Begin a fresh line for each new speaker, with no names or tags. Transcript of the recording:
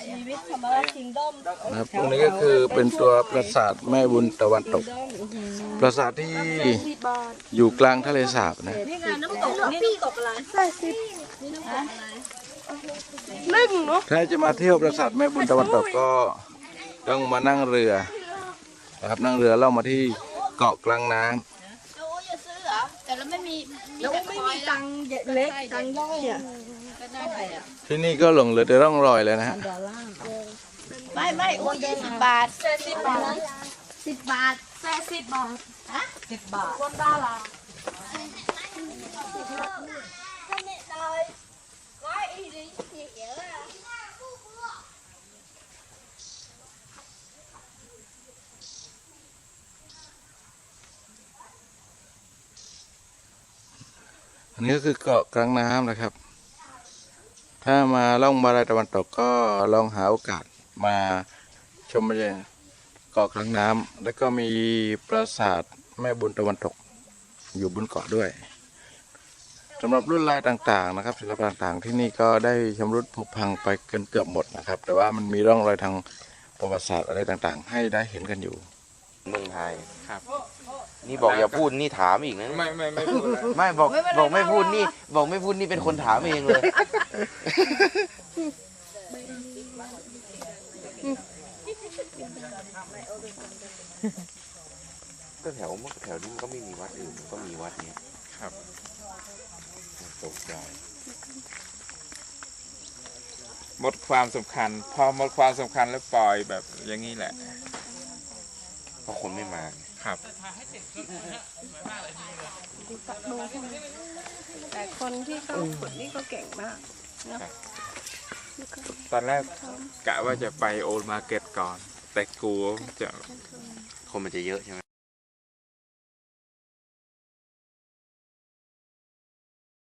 ชีวิตธรรมราชคิงดอม
นะครับตรงนี้ก็คือเป็นตัวปราสาทแม่บุญตะวันตก ปราสาทที่อยู่กลางทะเลสาบนะ
นี่ไงน้ำตกนี่น้ำตกอะไรนี่น้ำตกอะไร
นึ่งเนาะ
ถ้าจะมาเที่ยวปราสาทแม่บุญตะวันตกก็ต้องมานั่งเรือนะครับนั่งเรือล่องมาที่เกาะกลางน้ำ
เราจะซื้อเหรอแต่เราไม่มีเราไม่มีตังค์
เล็กตังย่อยอ่ะ
ก็ได้ไปอ่ะ
ที่นี่ก็หลงเหลือแต่ร่องรอยเลยนะฮะ
ไม่โอ้ย10 บาท10 บาท10 บาท10 บาทฮะ10 บาทคนดารา
อันนี้ก็คือเกาะกลางน้ำนะครับ ถ้ามาล่องมาลายตะวันตกก็ลองหาโอกาสมาชมบรรยากาศเกาะกลางน้ำแล้วก็มีปราสาทแม่บุญตะวันตกอยู่บนเกาะด้วยสำหรับรุ่นลายต่างๆนะครับศิลปะต่างๆที่นี่ก็ได้ชำรุดผุพังไปเกือบหมดนะครับ แต่ว่ามันมีร่องรอยทางประวัติศาสตร์อะไรต่างๆ ให้ได้เห็นกันอยู่
เมืองไทย
ครับ
นี่บอกอย่าพูดนี่ถามอีกนะ
ไม่พูดแล้ว
ไม่บอกไม่พูดนี่บอกไม่พูดนี่เป็นคนถามเองเลยก็แถวนี้มันก็ไม่มีวัดอื่นก็มีวัดเนี้ย
ครับ
ตกใจ
หมดความสำคัญ พอหมดความสำคัญแล้วปล่อยแบบอย่างนี้แหละ
เพราะคนไม่มา
ครับ
แต่คนที่เขาขุดนี่ก็เก่งมาก
ตอนแรกกะว่าจะไปโอลมาร์เก็ตก่อน แต่กลัวจะ
คนมันจะเยอะใช่ไหม